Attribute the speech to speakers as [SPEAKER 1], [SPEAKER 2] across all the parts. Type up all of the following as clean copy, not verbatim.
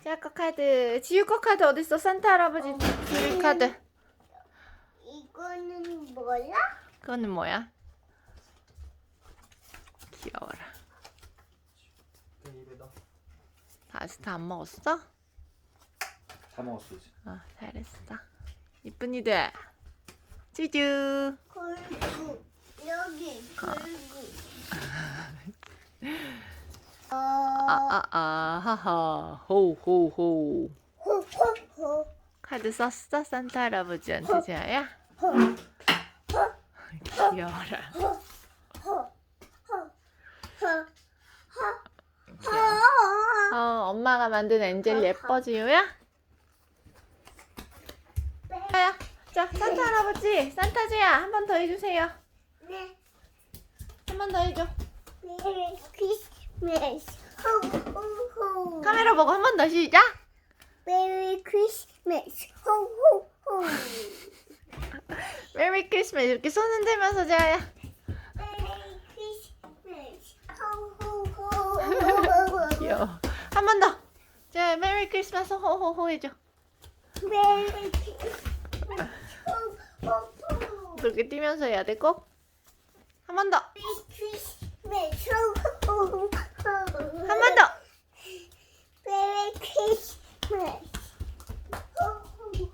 [SPEAKER 1] 지아 거 카드. 지우 거 카드 어딨어? 산타 할아버지 드릴 카드.
[SPEAKER 2] 이거는 뭐야?
[SPEAKER 1] 그거는 뭐야? 귀여워라.
[SPEAKER 3] 입에 넣어.
[SPEAKER 1] 다 아직 다 안 먹었어?
[SPEAKER 3] 다 먹었어 이제.
[SPEAKER 1] 잘했어. 이쁜이들. 쭈쭈.
[SPEAKER 2] 굴구 여기 굴구.
[SPEAKER 1] 하하. 호호호.
[SPEAKER 2] 호호호.
[SPEAKER 1] 카드 썼어? 산타 할아버지한테 지아야? 귀여워라. 엄마가 만든 엔젤 예뻐 지우야? 야, 자 산타 할아버지, 산타지야 한 번 더 해주세요.
[SPEAKER 2] 네.
[SPEAKER 1] 한 번 더 해줘.
[SPEAKER 2] 메리 크리스마스. 호호호.
[SPEAKER 1] 카메라 보고 한 번 더 시작.
[SPEAKER 2] 메리 크리스마스. 호호호.
[SPEAKER 1] 메리 크리스마스 이렇게 손 흔들면서 지아야.
[SPEAKER 2] 메리 크리스마스. 호호호.
[SPEAKER 1] 귀여워. 한 번 더. 자, 메리 크리스마스 호호호 해줘.
[SPEAKER 2] 메리 크리스마스. 호호호.
[SPEAKER 1] 그렇게 뛰면서 해야 돼 꼭. 한 번 더.
[SPEAKER 2] 메리 크리스마스. 호호호.
[SPEAKER 1] 한 번 더.
[SPEAKER 2] 메리 크리스마스. 호호호.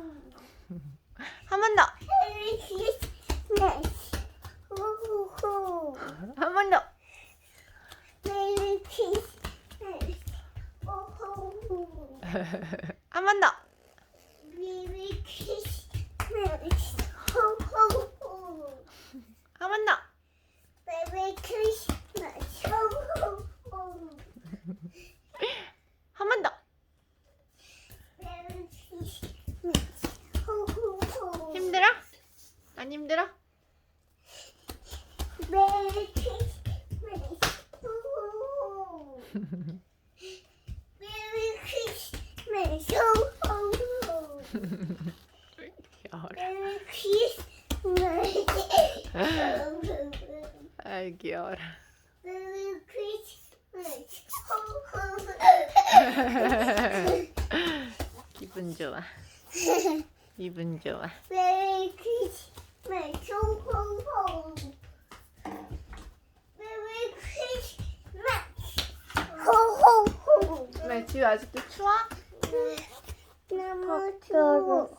[SPEAKER 1] 한 번 더.
[SPEAKER 2] 메리 크리스마스. 호호호.
[SPEAKER 1] 한 번 더.
[SPEAKER 2] 메리 크리스마스. 호호호.
[SPEAKER 1] 한 번 더.
[SPEAKER 2] 메리 크리스마스. 호호호.
[SPEAKER 1] 한 번 더.
[SPEAKER 2] 메리 크리스마스. 호호호.
[SPEAKER 1] 한 번 더.
[SPEAKER 2] 메리 크리스마스. 호호호.
[SPEAKER 1] 힘들어? 안 힘들어?
[SPEAKER 2] 메리 크리스마스. 호호호. 메리 크리스마스. 호호호.
[SPEAKER 1] 귀여워라.
[SPEAKER 2] 메리 크리스마스.
[SPEAKER 1] 아이 귀여워라.
[SPEAKER 2] 메리 크리스마스. 호호호.
[SPEAKER 1] 기분 좋아. 기분 좋아.
[SPEAKER 2] 메리 크리스마스. 호호호. 메리 크리스마스. 호호호.
[SPEAKER 1] 왜 지우 아직도 추워?
[SPEAKER 2] 너무 추워.